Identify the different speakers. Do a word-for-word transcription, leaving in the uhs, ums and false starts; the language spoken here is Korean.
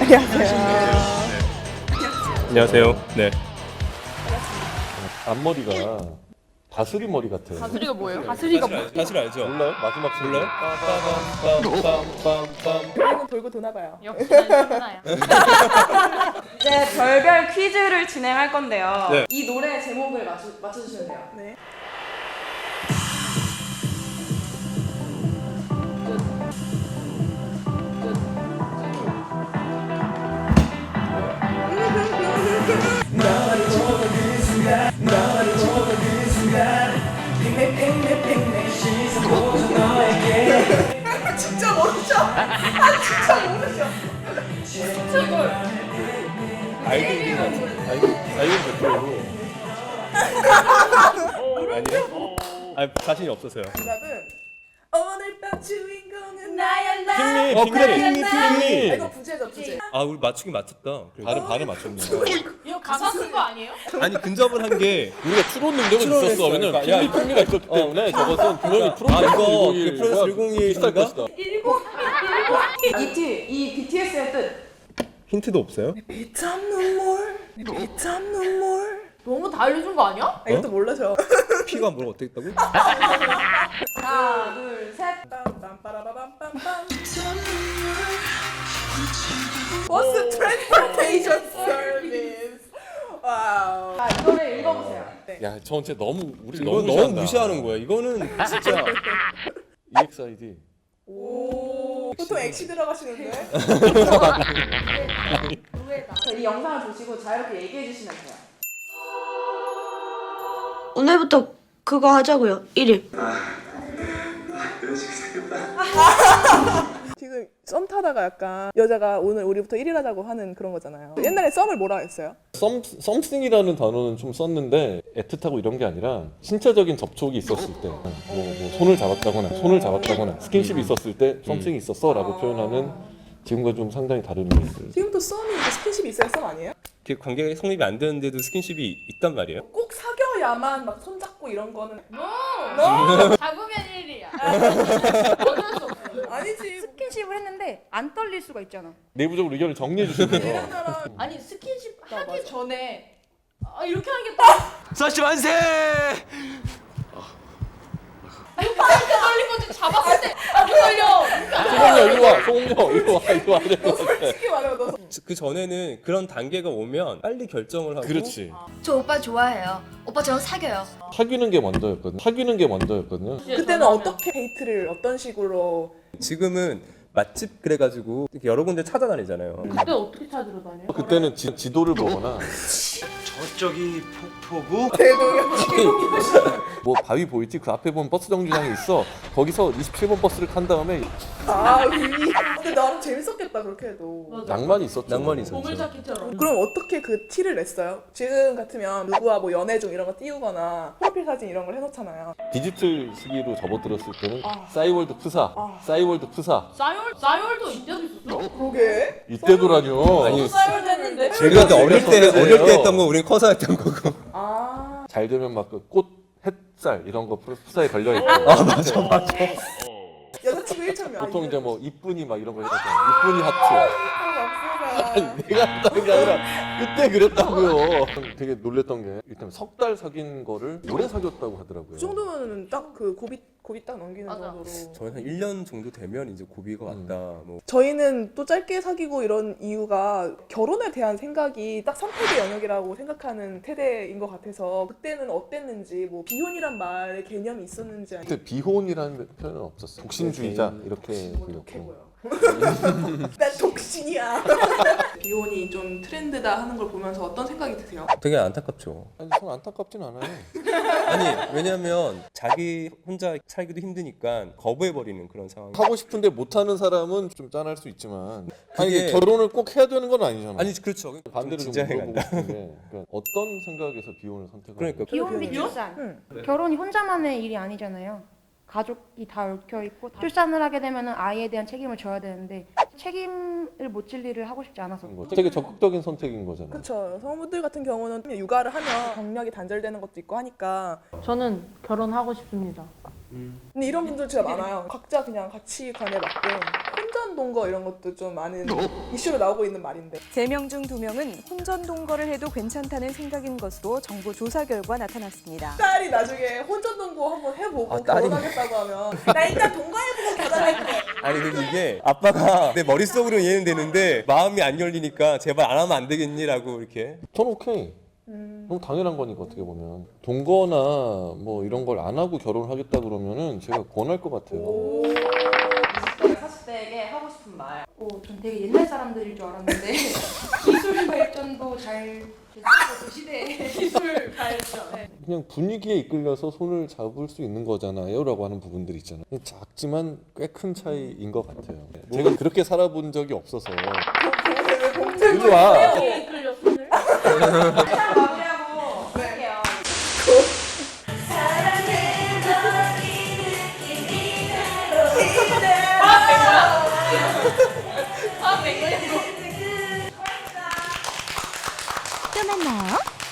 Speaker 1: 안녕하세요.
Speaker 2: 안녕하세요. 네.
Speaker 3: 앞머리가 다스리 머리 같아요.
Speaker 1: 다스리가 뭐예요? 다스리가 뭐?
Speaker 2: 사실 알죠?
Speaker 3: 몰라요? 마지막
Speaker 2: 몰라요? 빰빰빰빰빰.
Speaker 1: 돌고 돌고 도나봐요.
Speaker 4: 역시 난 신나요.
Speaker 5: 이제 별별 퀴즈를 진행할 건데요.
Speaker 2: 네.
Speaker 5: 이 노래 제목을 맞추, 맞춰주시면 돼요.
Speaker 1: 네. 진짜 모르죠? 아 진짜 모르죠? 진짜 뭘?
Speaker 2: 아이돌 아이돌 아이돌 대표로. 아니요? 아 자신이 없어서요.
Speaker 1: 정답은 오늘 밤 주인공은 나야 나.
Speaker 2: 핑미,
Speaker 3: 어,
Speaker 2: 핑미,
Speaker 3: 그래,
Speaker 2: 핑미,
Speaker 1: 아,
Speaker 2: 핑미.
Speaker 1: 이거 부제죠 부제.
Speaker 2: 아 우리 맞추긴 맞췄다.
Speaker 3: 반은 반을 맞췄네.
Speaker 4: 이거 가사 쓴 거 아니에요?
Speaker 2: 아니 근접을 한 게
Speaker 3: 우리가 추론 능력은
Speaker 2: 추론을
Speaker 3: 있었어. 왜냐면
Speaker 2: 했어요. 그러니까, 야,
Speaker 3: 핑미 핑미가 있었기 때문에 저것은 분명히 프로젝트
Speaker 2: 아, 이거
Speaker 3: 일공일
Speaker 2: 그 프로젝트 일공일
Speaker 3: 비슷할
Speaker 2: 인가?
Speaker 3: 것이다.
Speaker 5: 이티, 이 비티에스의 뜻.
Speaker 2: 힌트도 없어요?
Speaker 1: 비참 눈물, 비참 눈물.
Speaker 4: 너무 다 알려준 거 아니야?
Speaker 1: 아, 이것도 몰라서.
Speaker 2: 피가 뭐가 어떻게 있다고?
Speaker 5: 하나, 둘, 셋.
Speaker 1: 빰빰빠라바밤빰빰. 버스 트랜스포테이션 서비스. 와우.
Speaker 5: 자, 이 노래 읽어보세요.
Speaker 3: 야, 저 진짜 너무 우리
Speaker 2: 이거
Speaker 3: 너무
Speaker 2: 너무
Speaker 3: 무시한다.
Speaker 2: 무시하는 거야. 이거는 진짜
Speaker 3: 이엑스아이디.
Speaker 1: 오. 보통 엑시 들어가시는데?
Speaker 5: 자, 이 영상을 보시고 자유롭게 얘기해 주시면 돼요.
Speaker 6: 오늘부터 그거 하자고요. 일 일.
Speaker 1: 지금 썸 타다가 약간 여자가 오늘 우리부터 일 일 하자고 하는 그런 거잖아요. 옛날에 썸을 뭐라 했어요?
Speaker 3: 썸 썸씽이라는 단어는 좀 썼는데 애틋하고 이런 게 아니라 신체적인 접촉이 있었을 때, 뭐, 뭐 손을 잡았다거나 손을 잡았다거나 스킨십이 있었을 때 썸씽이 있었어라고 표현하는 지금과 좀 상당히 다른 의미들.
Speaker 1: 지금도 썸이 이제 스킨십이 있어야 썸 아니에요?
Speaker 2: 그 관계가 성립이 안 되는데도 스킨십이 있단 말이에요?
Speaker 1: 꼭 사겨야만 막 손잡고 이런 거는
Speaker 4: 잡으면 일 일이야. 어쩔 수 없어.
Speaker 1: 아니지.
Speaker 5: 스킨십을 했는데 안 떨릴 수가 있잖아.
Speaker 3: 내부적으로 의견을 정리해 주시네요.
Speaker 1: 이런저런
Speaker 4: 아니 스킨십 하기
Speaker 1: 맞아.
Speaker 4: 전에 아, 이렇게 하는 게 딱.
Speaker 2: 사시 만세!
Speaker 4: 이렇게 떨린 거지 잡았을 때안 떨려.
Speaker 3: 소공녀 이리 와, 소공녀 이리 와, 이리 와. 이리
Speaker 1: 너
Speaker 3: 와.
Speaker 1: 솔직히 말해봐. 너
Speaker 2: 그 전에는 그런 단계가 오면 빨리 결정을 하고
Speaker 3: 그렇지.
Speaker 7: 저 오빠 좋아해요. 오빠 저랑 사겨요.
Speaker 3: 사귀는 게 먼저였거든. 사귀는 게 먼저였거든요.
Speaker 1: 그때는 어떻게 데이트를 어떤 식으로?
Speaker 2: 지금은 맛집 그래가지고 이렇게 여러 군데 찾아다니잖아요.
Speaker 4: 그때 어떻게 찾으러 다녀요?
Speaker 3: 그때는 지, 지도를 보거나
Speaker 8: 저쪽이 폭포구?
Speaker 3: 뭐 바위 보이지? 그 앞에 보면 버스 정류장이 있어. 거기서 이십칠 번 버스를 탄 다음에
Speaker 1: 아, 이- 근데 나름 재밌었겠다 그렇게 해도.
Speaker 3: 낭만이 있었죠.
Speaker 2: 낭만이 있었죠.
Speaker 4: 보물찾기처럼.
Speaker 1: 그럼 어떻게 그 티를 냈어요? 지금 같으면 누구와 뭐 연애 중 이런 거 띄우거나 프로필 사진 이런 걸 해놓잖아요.
Speaker 3: 디지털 시기로 접어들었을 때는
Speaker 1: 아.
Speaker 3: 싸이월드 프사,
Speaker 1: 아.
Speaker 3: 싸이월드 프사.
Speaker 4: 싸이월 싸이월도 이때도 있었어?
Speaker 1: 그러게.
Speaker 3: 이때도라뇨.
Speaker 2: 아니,
Speaker 4: 싸이월 됐는데.
Speaker 2: 제가 그때 어릴 때
Speaker 3: 그래요.
Speaker 2: 어릴 때 했던 거 우리는 커서 했던 거고.
Speaker 1: 아.
Speaker 3: 잘 되면 막 그 꽃, 햇살 이런 거 프사에 걸려 있고. 아 맞아 맞아.
Speaker 1: 여자친구 일천명.
Speaker 3: 보통 이제 뭐 이쁜이 막 이런 거 해줬잖아. 이쁜이 하트. 아니, 내가 했다는 게 아니라 그때 그랬다고요. 되게 놀랬던 게 일단 석 달 사귄 거를 오래 사귀었다고 하더라고요.
Speaker 1: 그 정도면 딱 그 고비 고비 딱 넘기는
Speaker 4: 맞아.
Speaker 1: 정도로.
Speaker 2: 저는 한 일 년 정도 되면 이제 고비가 왔다. 뭐
Speaker 1: 저희는 또 짧게 사귀고 이런 이유가 결혼에 대한 생각이 딱 선택의 영역이라고 생각하는 세대인 것 같아서 그때는 어땠는지 뭐 비혼이란 말의 개념이 있었는지 아니
Speaker 3: 그때 비혼이라는 표현은 없었어. 독신주의자 이렇게
Speaker 1: 뭐
Speaker 3: 불렸고.
Speaker 1: 독해고요. 난 독신이야. 비혼이 좀 트렌드다 하는 걸 보면서 어떤 생각이 드세요?
Speaker 2: 되게 안타깝죠.
Speaker 3: 아니 전 안타깝진 않아요.
Speaker 2: 아니 왜냐면 자기 혼자 살기도 힘드니까 거부해버리는 그런 상황.
Speaker 3: 하고 싶은데 못하는 사람은 좀 짠할 수 있지만 아니
Speaker 2: 그게-
Speaker 3: 결혼을 꼭 해야 되는 건 아니잖아.
Speaker 2: 아니 그렇죠.
Speaker 3: 반대로
Speaker 2: 좀
Speaker 3: 좀
Speaker 2: 진지하게
Speaker 3: 물어보고
Speaker 2: 간다.
Speaker 3: 싶은 게 그러니까 어떤 생각에서 비혼을 선택을
Speaker 2: 그러니까
Speaker 5: 비혼 및
Speaker 1: 비혼?
Speaker 5: 출산.
Speaker 1: 응.
Speaker 5: 결혼이 혼자만의 일이 아니잖아요. 가족이 다 얽혀 있고 출산을 하게 되면 아이에 대한 책임을 져야 되는데 책임을 못 질 일을 하고 싶지 않아서.
Speaker 3: 거. 되게 적극적인 선택인 거잖아.
Speaker 1: 그렇죠. 성우분들 같은 경우는 육아를 하면 경력이 단절되는 것도 있고 하니까
Speaker 4: 저는 결혼하고 싶습니다.
Speaker 1: 근데 이런 분들 진짜 많아요. 각자 그냥 가치관에 맞게 혼전 동거 이런 것도 좀 많은 이슈로 나오고 있는 말인데.
Speaker 9: 세 명 중 두 명은 혼전 동거를 해도 괜찮다는 생각인 것으로 정부 조사 결과 나타났습니다.
Speaker 1: 딸이 나중에 혼전 동거 한번 해보고
Speaker 2: 아, 딸이-
Speaker 1: 결혼하겠다고 하면 나 일단 동거해보고 결혼할게.
Speaker 2: 아니 근데 이게 아빠가 내 머릿속으로 이해는 되는데 마음이 안 열리니까 제발 안 하면 안 되겠니라고 이렇게.
Speaker 3: 전 오케이. 너무 당연한 거니까 어떻게 보면 동거나 뭐 이런 걸 안 하고 결혼을 하겠다 그러면은 제가 권할 것 같아요.
Speaker 5: 사십 대에게 하고 싶은 말. 오, 전 되게 옛날 사람들일 줄 알았는데 기술 발전도 잘 됐고 그 시대에 기술 발전. 네.
Speaker 3: 그냥 분위기에 이끌려서 손을 잡을 수 있는 거잖아요라고 하는 부분들 있잖아요. 작지만 꽤 큰 차이인 것 같아요. 제가 그렇게 살아본 적이 없어서. 일로 와.
Speaker 5: 이끌려 손을. 마무리하고 할게요.
Speaker 9: 또 만나요.